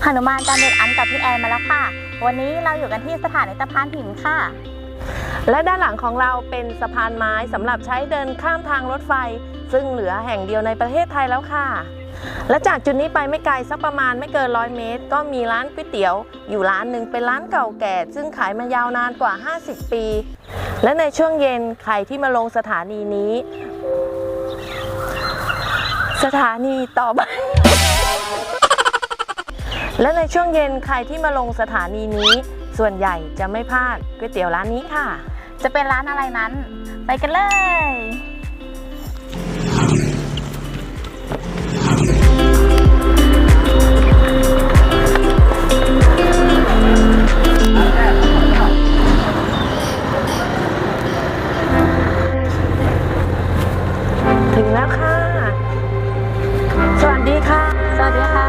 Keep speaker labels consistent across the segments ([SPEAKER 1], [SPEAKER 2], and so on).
[SPEAKER 1] หนุมานการเดินอันกับพี่แอนมาแล้วค่ะวันนี้เราอยู่กันที่สถานีสะพานหินค่ะ
[SPEAKER 2] และด้านหลังของเราเป็นสะพานไม้สำหรับใช้เดินข้ามทางรถไฟซึ่งเหลือแห่งเดียวในประเทศไทยแล้วค่ะและจากจุดนี้ไปไม่ไกลสักประมาณไม่เกิน100 เมตรก็มีร้านก๋วยเตี๋ยวอยู่ร้านหนึ่งเป็นร้านเก่าแก่ซึ่งขายมายาวนานกว่า50 ปีและในช่วงเย็นใครที่มาลงสถานีนี้สถานีต่อไปและในช่วงเย็นใครที่มาลงสถานีนี้ส่วนใหญ่จะไม่พลาดก๋วยเตี๋ยวร้านนี้ค่ะ
[SPEAKER 1] จะเป็นร้านอะไรนั้นไปกันเลย
[SPEAKER 2] ถึงแล้วค่ะสวัสดีค่ะ
[SPEAKER 1] สวัสดีค่ะ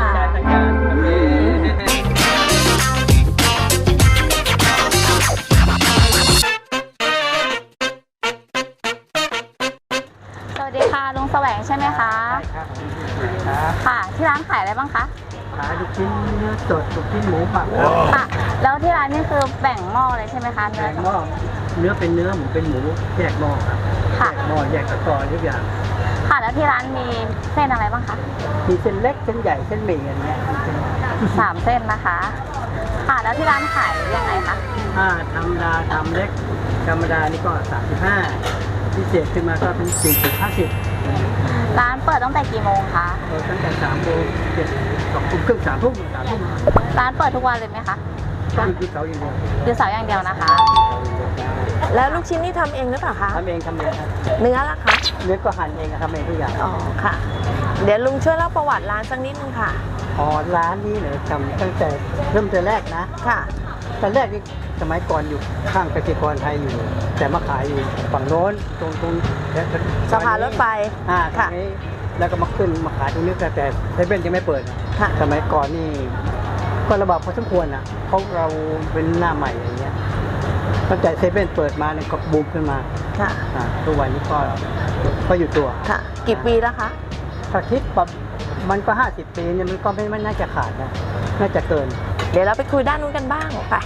[SPEAKER 1] ลุงแสวงใช่ไหมคะ
[SPEAKER 3] ใช่ครับ
[SPEAKER 1] ค่ะที่ร้านขายอะไรบ้างคะ
[SPEAKER 3] ขายลูกชิ้นเนื้อสดลูกชิ้นหมูหมัก
[SPEAKER 1] ค่ะแล้วที่ร้านนี่คือแบ่งหม้อเลยใช่ไหมคะ
[SPEAKER 3] แบ่งหม้อเนื้อเป็นเนื้อหมูเป็นหมูแยกหม้อครับแยกหม้อแยกตะกร้อทุกอย่าง
[SPEAKER 1] ค่ะแล้วที่ร้านมีเส้นอะไรบ้างคะ
[SPEAKER 3] มีเส้นเล็กเส้นใหญ่เส้นหมี่อะไรเงี้ย
[SPEAKER 1] 3 เส้นนะคะค่ะแล้วที่ร้านขายยังไงคะ
[SPEAKER 3] ธรรมดาทำเล็กธรรมดานี่ก็35พิเศษขึ้นมาก็เป็น40-50
[SPEAKER 1] ร้านเปิดตั้งแต่กี่โมงคะ
[SPEAKER 3] เปิดตั้งแต่3 โมง2 ทุ่มครึ่ง3 ทุ่ม
[SPEAKER 1] ร้านเปิดทุกวันเลยไหมคะ
[SPEAKER 3] ต้องหยุดเสาร์อย่างเดียว
[SPEAKER 1] หยุดเสาร์อย่างเดียวนะคะ
[SPEAKER 2] แล้วลูกชิ้นนี่ทำเองหรือเปล่าคะ
[SPEAKER 3] ทำเองครับ
[SPEAKER 2] เนื้อล่ะคะ
[SPEAKER 3] เนื้อก็หั่นเองทำเองทุกอย่าง
[SPEAKER 2] อ๋อค่ะเดี๋ยวลุงช่วยเล่าประวัติร้านสักนิดนึงค่ะ
[SPEAKER 3] ร้านนี้เนี่ยทำตั้งแต่เริ่มแต่แรกนะ
[SPEAKER 2] ค่ะ
[SPEAKER 3] แต่แรกนี่สมัยก่อนอยู่ข้างเกษตรกรไทยอยู่แต่มาขายอยู่ฝั่งโน้นตรง
[SPEAKER 2] สะพานรถไฟ
[SPEAKER 3] ค่ะนี้แล้วก็มาขึ้นมาขายตรงนี้แต่เซเว่นยังไม่เปิดสมัยก่อนนี่ก็ระบาดพอสมควรเพราะเราเป็นหน้าใหม่อย่างเงี้ยตั้งแต่เซเว่นเปิดมาเนี่ยก็บูมขึ้นมา
[SPEAKER 2] ค่ะ
[SPEAKER 3] ทุกวันนี้ก็อยู่ตัว
[SPEAKER 2] ค่ะกี่ปีแล้วคะ
[SPEAKER 3] ถ้าคิดแบบมันก็50 ปีเนี่ยมันก็ไม่น่าจะขาดนะน่าจะเกิน
[SPEAKER 2] เดี๋ยวเราไปคุยด้านนู้นกันบ้างไป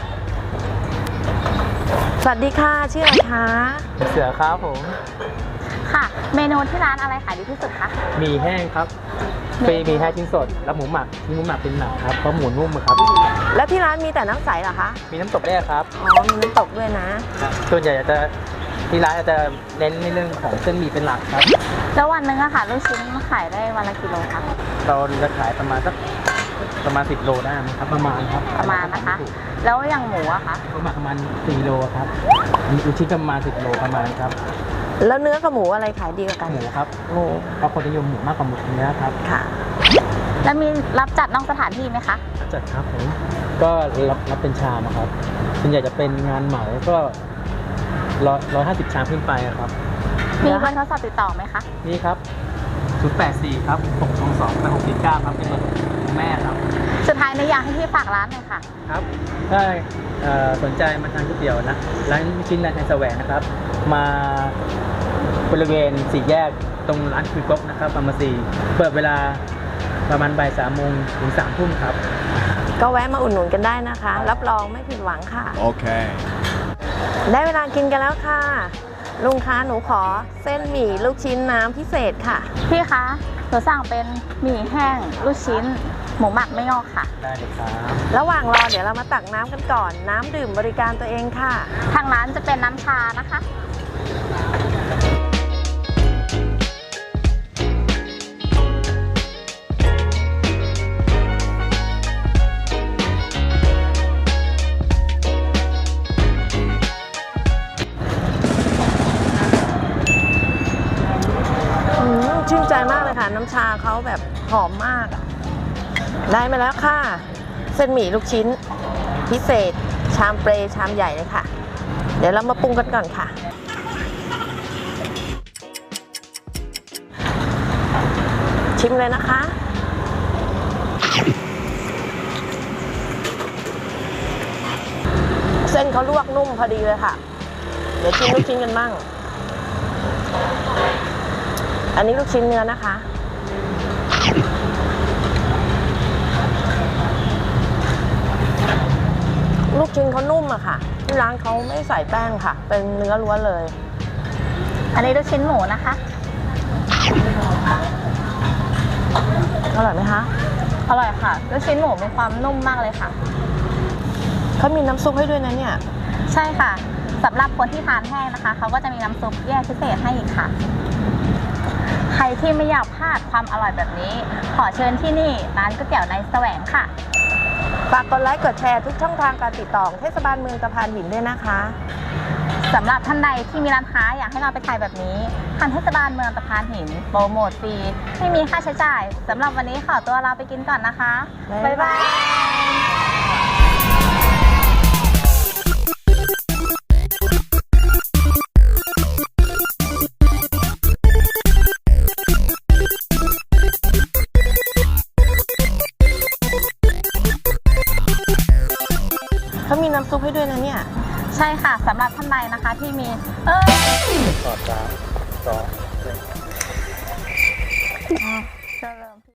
[SPEAKER 2] สวัสดีค่ะชื่ออะไรคะ
[SPEAKER 3] เสือครับผม
[SPEAKER 1] ค่ะเมนูที่ร้านอะไรขายดีที่สุดคะ
[SPEAKER 3] หมี่แห้งครับมีแห้งชิ้นสดแล้วหมูหมักเป็นหนักครับเพราะหมูนุ่มครับ
[SPEAKER 2] แล้วที่ร้านมีแต่น้ำใสเหรอคะ
[SPEAKER 3] มีน้ำตกแรกครับ
[SPEAKER 2] มีน้ำตกด้วยนะ
[SPEAKER 3] ส่วนใหญ่ที่ร้านจะเน้นในเรื่องของเส้นหมี่เป็นหลักครับ
[SPEAKER 1] แล้ววันนึงอะค่ะลูกชิ้นขายได้วันละกี่โลคะ
[SPEAKER 3] เราจะขายประมาณ10 โลได้ครับประมาณ
[SPEAKER 1] นะคะแล้วอย่างหมูอะคะ
[SPEAKER 3] ประมาณ4 โลครับลูกชิ้นประมาณ10 โลประมาณครับ
[SPEAKER 2] แล้วเนื้อกับหมูอะไรขายดีกว่ากัน
[SPEAKER 3] หมูครับเพราะคนนิยมหมูมากกว่าหมูเนื้อครับ
[SPEAKER 2] ค่ะ
[SPEAKER 1] แล้วมีรับจัดนอกสถานที่ไหมคะ
[SPEAKER 3] จัดครับผมก็รับเป็นชามครับส่วนใหญ่จะเป็นงานเหมาก็150 ชามขึ้นไปครับ
[SPEAKER 1] มีเบอร์โทรศัพท์ติดต่อไหมคะ
[SPEAKER 3] นี่ครับ084ครับ622-649ครับเป็นเบอร์ของแม่ครับ
[SPEAKER 1] สุดท้ายในอยากให้พี่ฝากร้านหน่อยค่ะ
[SPEAKER 3] ครับถ้าสนใจมาทานก๋วยเตี๋ยวนะร้านชิ้นร้านไทยแสวงนะครับมาบริเวณ4 แยกตรงร้านคุยก๊กนะครับฟาร์มาซีเปิดเวลาประมาณบ่าย 3 โมงถึง 3 ทุ่มครับ
[SPEAKER 2] ก็แวะมาอุดหนุนกันได้นะคะรับรองไม่ผิดหวังค่ะ
[SPEAKER 3] โอเค
[SPEAKER 2] ได้เวลากินกันแล้วค่ะลุงคะหนูขอเส้นหมี่ลูกชิ้นน้ำพิเศษค่ะ
[SPEAKER 1] พี่คะหนูสั่งเป็นหมี่แห้งลูกชิ้นหมูหมักไม่งอกค่ะ
[SPEAKER 3] ได้เลยครับ
[SPEAKER 2] ระหว่างรอเดี๋ยวเรามาตักน้ำกันก่อนน้ำดื่มบริการตัวเองค่ะ
[SPEAKER 1] ทางร้านจะเป็นน้ำชานะคะ
[SPEAKER 2] ชื่นใจมากเลยค่ะน้ำชาเขาแบบหอมมากได้มาแล้วค่ะเส้นหมี่ลูกชิ้นพิเศษชามเปรย์ชามใหญ่เลยค่ะเดี๋ยวเรามาปรุงกันก่อนค่ะชิมเลยนะคะเส้นเขาลวกนุ่มพอดีเลยค่ะเดี๋ยวชิมลูกชิ้นกันบ้าง อันนี้ลูกชิ้นเนื้อนะคะลูกชิ้นเขานุ่มอะค่ะที่ร้านเขาไม่ใส่แป้งค่ะ เป็นเนื้อล้วนเลย
[SPEAKER 1] อันนี้ลูกชิ้นหมูนะคะ
[SPEAKER 2] อร่อยไหมคะ
[SPEAKER 1] อร่อยค่ะลูกชิ้นหมูมีความนุ่มมากเลยค่ะ
[SPEAKER 2] เขามีน้ำซุปให้ด้วยนะเนี่ย
[SPEAKER 1] ใช่ค่ะสำหรับคนที่ทานแห้งนะคะเขาก็จะมีน้ำซุปแยกพิเศษให้อีกค่ะ ใครที่ไม่อยากพลาดความอร่อยแบบนี้ ขอเชิญที่นี่ร้านก๋วยเตี๋ยวในแสวงค่ะ
[SPEAKER 2] ฝากกดไลค์กดแชร์ทุกช่องทางการติดต่อของเทศบาลเมืองตะพานหินด้วยนะคะ
[SPEAKER 1] สำหรับท่านใดที่มีร้านค้าอยากให้เราไปถ่ายแบบนี้ทางเทศบาลเมืองตะพานหินโปรโมทฟรีไม่มีค่าใช้จ่ายสำหรับวันนี้ขอตัวลาไปกินก่อนนะคะ
[SPEAKER 2] บ๊ายบาย เขามีน้ำซุปให้ด้วยนะเนี่ย
[SPEAKER 1] ใช่ค่ะสำหรับท่านใดนะคะที่มี
[SPEAKER 3] ต่อ3 2 1
[SPEAKER 1] จะเริ่ม